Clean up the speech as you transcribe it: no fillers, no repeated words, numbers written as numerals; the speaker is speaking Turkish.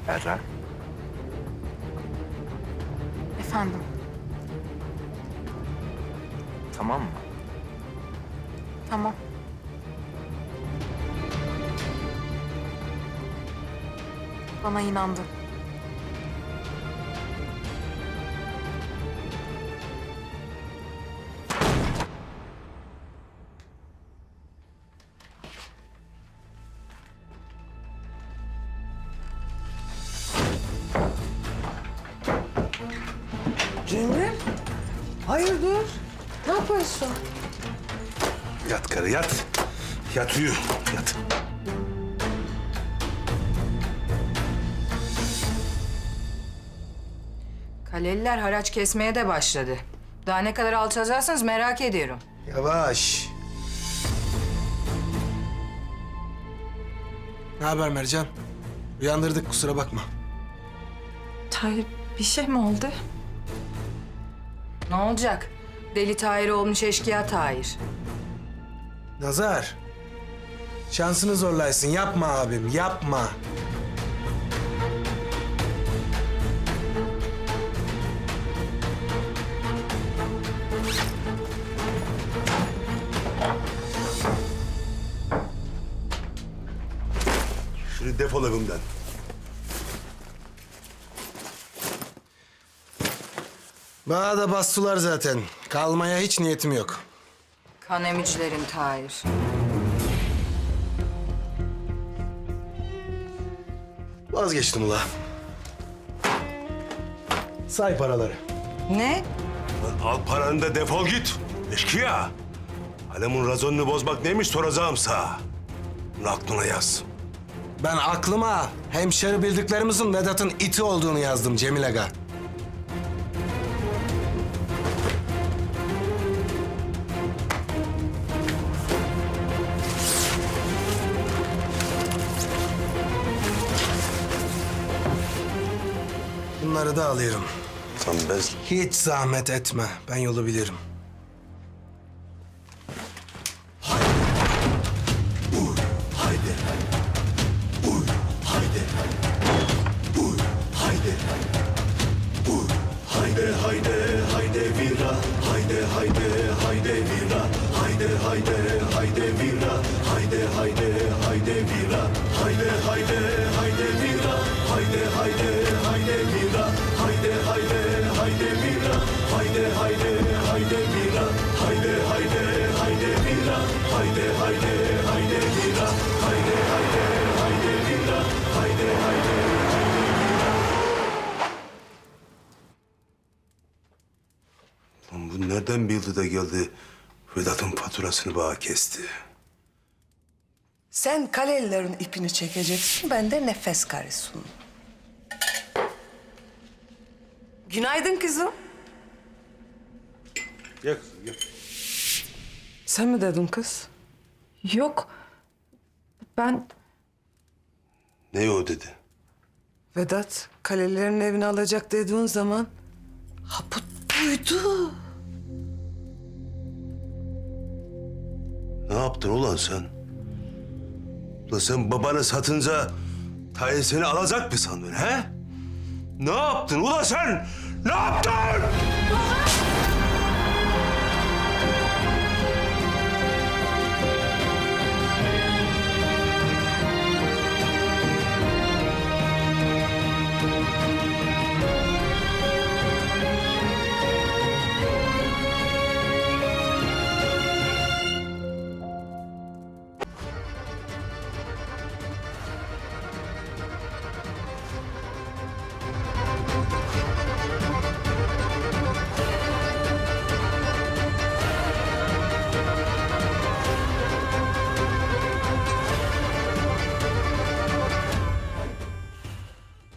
Berra. Efendim? Tamam mı? Tamam. Bana inandı. Cemil, hayırdır? Ne yapıyorsun? Yat karı yat. Yat uyu. Yat. Kaleliler haraç kesmeye de başladı. Daha ne kadar alçalacaksınız merak ediyorum. Yavaş. Ne haber Mercan? Uyandırdık kusura bakma. Tahir bir şey mi oldu? Ne olacak? Deli Tahir olmuş eşkıya Tahir. Nazar. Şansını zorlaysın. Yapma abim, yapma. Şimdi defol evimden. Bana da bastılar zaten. Kalmaya hiç niyetim yok. Kan emicilerin Tahir. Vazgeçtim ula. Say paraları. Ne? Lan al paranı da defol git. Eşkıya. Alemin razonunu bozmak neymiş soracağım sana. Bunu aklına yaz. Ben aklıma hemşeri bildiklerimizin Vedat'ın iti olduğunu yazdım Cemil Aga. Bunları da alıyorum. Sen ben... Hiç zahmet etme. Ben yolu bilirim. Lan bu nereden bildi de geldi Vedat'ın faturasını bana kesti. Sen kalelilerin ipini çekeceksin, ben de nefes karısın. Günaydın kızım. Gel kızım gel. Sen mi dedin kız? Yok. Ben Ne o dedi? Vedat, kalelilerin evini alacak dediğin zaman... Ha bu duydu. Ne yaptın ulan sen? Ulan sen babanı satınca Tahir seni alacak mı sandın he? Ne yaptın ulan sen? Ne yaptın?